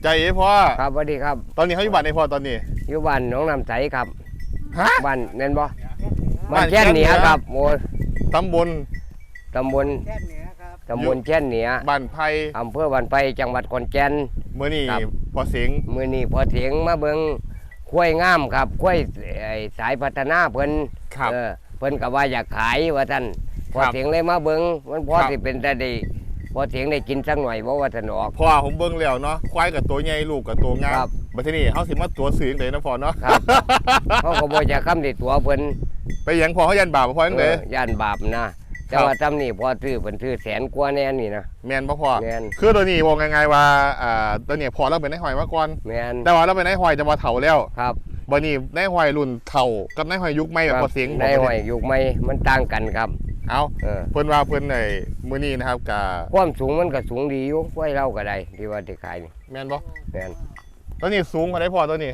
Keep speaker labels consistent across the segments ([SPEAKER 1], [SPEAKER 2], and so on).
[SPEAKER 1] ใจเอ๋พ่อ
[SPEAKER 2] ครับสวัสดีครับ
[SPEAKER 1] ตอนนี้เขาอยู่บ้านในพ่อตอนนี้
[SPEAKER 2] อยู่บ้านหนองน้ำใสครับ
[SPEAKER 1] ฮะ
[SPEAKER 2] บ้านเน้นบ่บ้านแค่นเหนือครับโอ้
[SPEAKER 1] ตำบล
[SPEAKER 2] แค่นเหนือครับตำบลแค่นเหนือ
[SPEAKER 1] บ้านไผ่
[SPEAKER 2] อำเภอบ้านไผ่จังหวัดขอนแก่น
[SPEAKER 1] เมื่อนี้พอเสียง
[SPEAKER 2] มื้อนี้พอเสียงมาเบิ่งข้วยงามครับข้วยสายพัฒนาเพิ่นเพิ่นก็ว่าอยากขายว่าท่านพอเสียงเลยมาเบิ่งมันพอสิเป็นแต่ได้พอเสียงได้กินสักหน่อยบ่ว่าท่านออก
[SPEAKER 1] พ่อผมเบิ่งแล้วเนาะควายกับตัวใหญ่ลูกกับตัวงามบัดทีนี้เฮาสิมาตัวสื่อจังได๋นะพ่อเนาะ
[SPEAKER 2] ครับเขาก็บ่จะค้ำที่ตัวเพิ่น
[SPEAKER 1] ไปหยังพ่อเขายันบาปพ่อจังได๋
[SPEAKER 2] ย่านบาปนะแต่ว่าทำนี่พอซื้อเพิ่นซื้อแสนกว่าแน่นี่นะ
[SPEAKER 1] แม่นบ่พ่อ
[SPEAKER 2] แม่น
[SPEAKER 1] คือตัวนี้บอกง่ายๆว่าตัวนี้พ่อเราเป็นนายหอยมาก่อน
[SPEAKER 2] แม่น
[SPEAKER 1] แต่ว่าเราเป็นนายหอยจะมาเฒ่าแล้ว
[SPEAKER 2] ครับ
[SPEAKER 1] บัดนี้นายหอยรุ่นเฒ่ากับนายหอยยุคใหม่แบบพอเสียง
[SPEAKER 2] นายหอยยุคใหม่มันต่างกันครับ
[SPEAKER 1] เอาเพิ่นว่าเพิ่นในมื้อนี้นะครับกะ
[SPEAKER 2] ความสูงมันก็สูงดีอยู่ไว้เล่าก็ได้ที่ว่าที่ขายนี่
[SPEAKER 1] แม่นบ่
[SPEAKER 2] แม่น
[SPEAKER 1] ตัวนี้สูงกว่าได้พอตัวนี้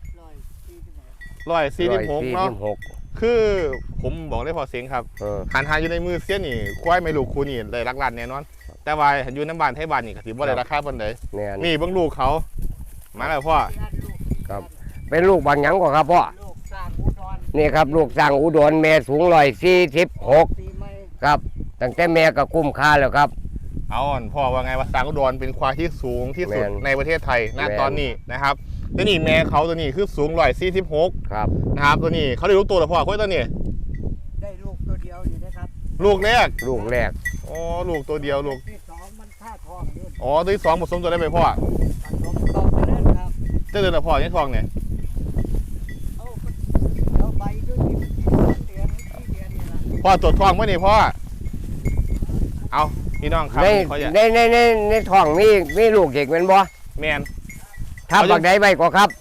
[SPEAKER 1] 146เนาะคือผมบอกได้พอเสียงครับหันหาอยู่ในมือเสี้ยนนี่ควายไม่ลูกคูนี่ได้รักล้านแน่นอนแต่ว่าอยู่น้ำบ้านไทยบ้านนี่ก็ถือว่าได้ราคาปานใดนี่เบิ่งลูกเขามาแล้วพ่อ
[SPEAKER 2] ครับเป็นลูกบางหยังกว่าครับพ่อนี่ครับลูกสร้างอุดรแม่สูง146ครับตั้งแต่แม่ก็คุ้มค่าแล้วครับ
[SPEAKER 1] เอาพ่อว่าไงว่าสร้างอุดรเป็นควายที่สูงที่สุดในประเทศไทยณตอนนี้นะครับตัวนี้แม่เขาตัวนี้คือสูง146
[SPEAKER 2] ครับ
[SPEAKER 1] นะครับตัวนี้เขาได้ลูกตัวหรือพ่อควายตัวนี้
[SPEAKER 3] ได้ลูกตัวเดียวอยู่นะครับ
[SPEAKER 1] ลูกแรกอ๋อลูกตัวเดียวลูก
[SPEAKER 3] ที่2มันค่าทองอยู่
[SPEAKER 1] อ๋อตัวที่2ผสมตัวได้ไหมพ่อ
[SPEAKER 3] ผสมต่อไปแล้วครับ
[SPEAKER 1] เดือนละพ่อยังทองเนี่ย
[SPEAKER 3] เอาใบด้วยที่เดือนนี่ละ
[SPEAKER 1] พ่อตรวจทองเมื่อนี่พ่อเอาพี่น้องครับ
[SPEAKER 2] ในท้องมีลูกเด็กเป็นบ่
[SPEAKER 1] แมน
[SPEAKER 2] ทับบักใดใบก็ครับ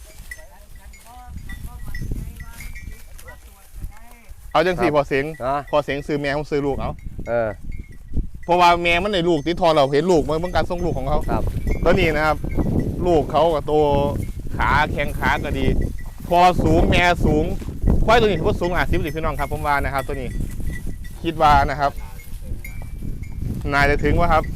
[SPEAKER 1] เอาจังสี่พอเสียงซื้อแม่ของซื้อลูกเอาเพราะว่าแม่มันในลูกที่ทอเราเห็นลูกมันเป็นการส่งลูกของเขา
[SPEAKER 2] ครับ
[SPEAKER 1] ตอนนี้นะครับลูกเขากับตัวขาแข้งขาก็ดีพอสูงแม่สูงควายตัวนี้ถือว่าสูง50พี่น้องครับผมว่านะครับตัวนี้คิดว่านะครับนายจะถึงว่าครับ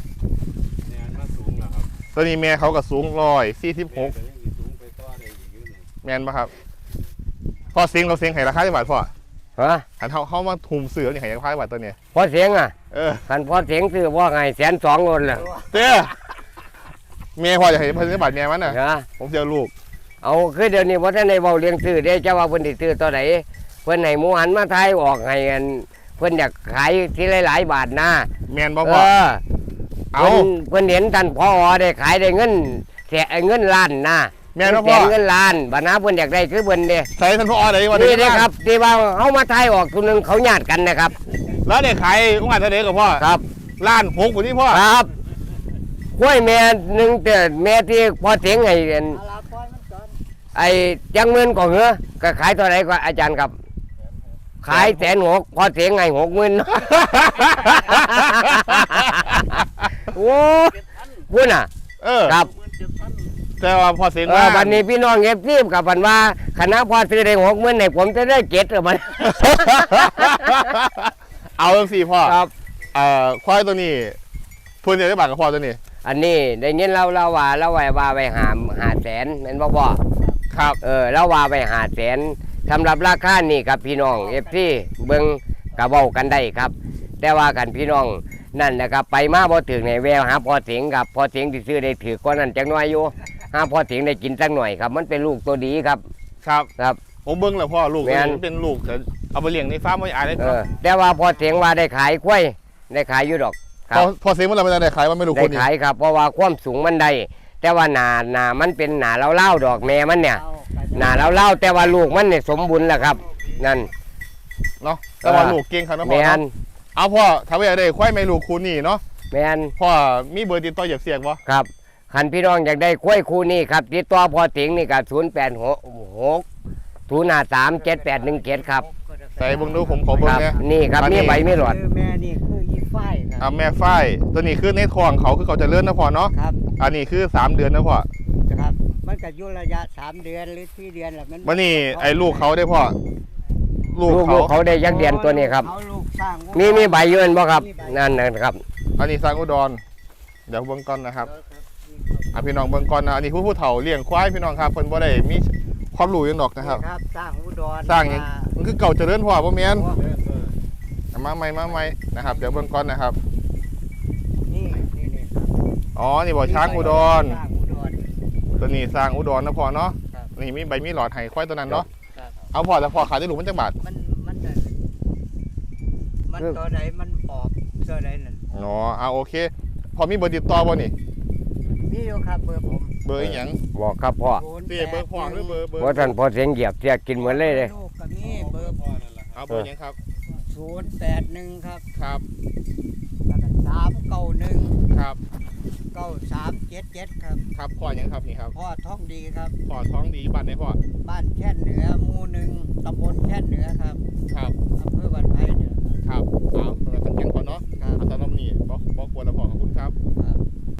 [SPEAKER 1] ตัวนี้แม่เขาก็สูง146แมนป่ะครับพอเสียงเราเสียงไห้ราคาที่บาทพ่อขันเขามาทุ่มเสือนี่ไห้ราคาที่บาทตัวนี้
[SPEAKER 2] พอเสียงขันพอเสียงซื้อว่าไง120,000เลย
[SPEAKER 1] เต้แม่พ่อจะให้พันธุ์บาทแม่มันน่ะผมเจอลูก
[SPEAKER 2] เอาคือเดี๋ยวนี้ว่าท่านในเบาเลี้ยงซื้อได้เจ้าว่าเพิ่นติดซื้อตัวไหนเพิ่นให้หมูหันมาไทยออกให้กันเพิ่นอยากขายที่หลายๆบาทนะ
[SPEAKER 1] แมนบ่พ่อ
[SPEAKER 2] เอาเพิ่นเห็นท่านพอได้ขายได้เงินเงินล้านนะ
[SPEAKER 1] แม่นบ่พ่อ
[SPEAKER 2] เงินล้านบัดนะเพิ่นอยากได้คือเพิ่นเด้
[SPEAKER 1] ใส่ท่านพ่อได้ว่า
[SPEAKER 2] นี่เด้ครับที่ว่าเฮามาไทยออกตัวนึงเขาญาติกันนะครับ
[SPEAKER 1] แล้วได้ขายอุ้งอัดเท่าใดกับพ่อ
[SPEAKER 2] ครับ
[SPEAKER 1] ล้าน6บ่นี่พ่อ
[SPEAKER 2] ครับห้วยแม่นึงแต่แม่ที่พอเสียงไอ้จังเงินก็เหรอก็ขายเท่าไหร่ก็อาจารย์ครับขาย160,000พอเสียงไง60,000โอ้พูดน่ะครับ
[SPEAKER 1] แต่ว่าพอเสียงว่า
[SPEAKER 2] วันนี้พี่น้องเอฟซีกับวันว่าคณะพอซื้อได้60,000ให้ผมจะได้7หรือมัน
[SPEAKER 1] เอาสิพ่อ
[SPEAKER 2] ครับ
[SPEAKER 1] ควายตัวนี้ทุนเดียวได้บาทกับพ่อตัวนี้
[SPEAKER 2] อันนี้ได้เงินเราว่าไป500,000เป็นพ่อ
[SPEAKER 1] ครับ
[SPEAKER 2] เราว่าไป500,000สำหรับราคานี่ครับพี่น้องเอฟซีเบิ้งกระเบ้ากันได้ครับแต่ว่ากันพี่น้องนั่นนะครับไปมาพอถึงในแววหาพอเสียงกับพอเสียงที่ซื้อได้ถือก้อนนั้นจังน้อยอยู่หาพอเสียงได้กินสักหน่อยครับมันเป็นลูกตัวดีครับ
[SPEAKER 1] ครับผมเบิ้งแล้วพ่อลูกเป็นลูกเอาไปเลี้ยงในฟาร์มไม่อายได้
[SPEAKER 2] แต่ว่าพอเสียงว่าได้ขายกล้วยได้ขายอยู่ดอก
[SPEAKER 1] พอเสียงมันเราไม่ได้ขายมันไม่รู้คน
[SPEAKER 2] ได้ขายครับเพราะว่าความสูงมันได้แต่ว่าหนามันเป็นหนาเล่าดอกแม่มันเนี่ยหนาเล่าแต่ว่าลูกมันเนี่ยสมบูรณ์แล้วครับนั่น
[SPEAKER 1] เนาะแต่ว่าลูกเก่งครับนะพ่อเอาพ่อทำไว้ได้ควายไม่ลูกคูนี่เนาะ
[SPEAKER 2] แม่น
[SPEAKER 1] พ่อมีเบอร์ติดต่อเหยียบเสียงวะ
[SPEAKER 2] ครับขันพี่น้องอยากได้ควายคูนี่ครับติดต่อพอเสียงนี่กับ0860537817ครับ
[SPEAKER 1] ใส่เบิ้งดูผมขอเบิ้งเนี่ย
[SPEAKER 2] นี่ครับนี่ใบไม่หลอด
[SPEAKER 3] แม่นี่คือยีฝ้ายครับ
[SPEAKER 1] แม่ฝ้ายตัวนี้คือในท้องเขาคือเขาจะเลื่อนนะพ่อเนาะ
[SPEAKER 3] ครับ
[SPEAKER 1] อันนี้คือ3 เดือนนะพ่อ
[SPEAKER 3] ครับมันก็อยู่ระยะ3 เดือนหรือ4 เดือนแหละ
[SPEAKER 1] มันนี่ไอ้ลูกเขาได้พ่อ
[SPEAKER 2] ลูกเขาได้ยักษ์เดียนตัวนี้ครับมีใบยืนบ่ครับนั่นนะครับ
[SPEAKER 1] อันนี้สร้างอุดรเดี๋ยวเบิ้งก่อนนะครับพี่น้องเบิ่งก่อนนะอันนี้ผู้เฒ่าเลี้ยงควายพี่น้องครับเพิ่นบ่ได้มีความรู้หยังดอกนะครับ
[SPEAKER 3] นี่ครับสร้างอุดร
[SPEAKER 1] สร้างหยัง
[SPEAKER 3] ม
[SPEAKER 1] มันคือเก่าเจริญพ่อบ่แม่น
[SPEAKER 3] โอ้
[SPEAKER 1] มาใหม่นะครับเดี๋ยวเบิ่งก่อนนะครับ
[SPEAKER 3] นี่ครับ
[SPEAKER 1] อ๋อนี่บ่ช้างอุดร
[SPEAKER 3] สร้างอุดร
[SPEAKER 1] ตัวนี้สร้างอุดรนะพ่อเนาะ
[SPEAKER 3] ครับ
[SPEAKER 1] นี่มีใบมีหลอดให้ควายตัวนั้นเนาะ
[SPEAKER 3] ครับ
[SPEAKER 1] เอาพ่อแล้วพ่อขายได้ลูกมันจักบาท
[SPEAKER 3] มันจะมันตัวไหนมันออกตัวไหนนั่น
[SPEAKER 1] อ๋อเอาโอเคพอมีเบอร์ติดต่อบ่นี่
[SPEAKER 3] มีอยู่ครับเบอร์ผม
[SPEAKER 1] เบอร์อีหยัง
[SPEAKER 2] บอกครับพ่อ
[SPEAKER 1] เสียเบอร์พ่อหรือเบอร์
[SPEAKER 2] เพราะท่านพอเสียงเหยียบเสียกินเหมือนเลยเลย
[SPEAKER 3] ลูกกับนี่เบอร์
[SPEAKER 1] เอาเบอร์หยังครับ
[SPEAKER 3] 081ครับ
[SPEAKER 1] ครับ
[SPEAKER 3] แล้วก็391
[SPEAKER 1] ครับ
[SPEAKER 3] 9377ครับ
[SPEAKER 1] ครับพ่อหยังครับนี่ครับ
[SPEAKER 3] พ่อท้องดีครับ
[SPEAKER 1] พ่อท้องดีบ้านไหนพ่อ
[SPEAKER 3] บ้านแค่นเหนือหมู่หนึ่งตำบลแค่นเหนือครับ
[SPEAKER 1] ครับ
[SPEAKER 3] อำเภอบ้านไผ่เนี่ยครับ
[SPEAKER 1] ครับเอาเบอร์ตั้งแข็งก่อนเนาะ
[SPEAKER 3] ครับ
[SPEAKER 1] เอาตอนนี้บ่ควรแล้วพ่อขอบคุณครับ
[SPEAKER 3] ครับ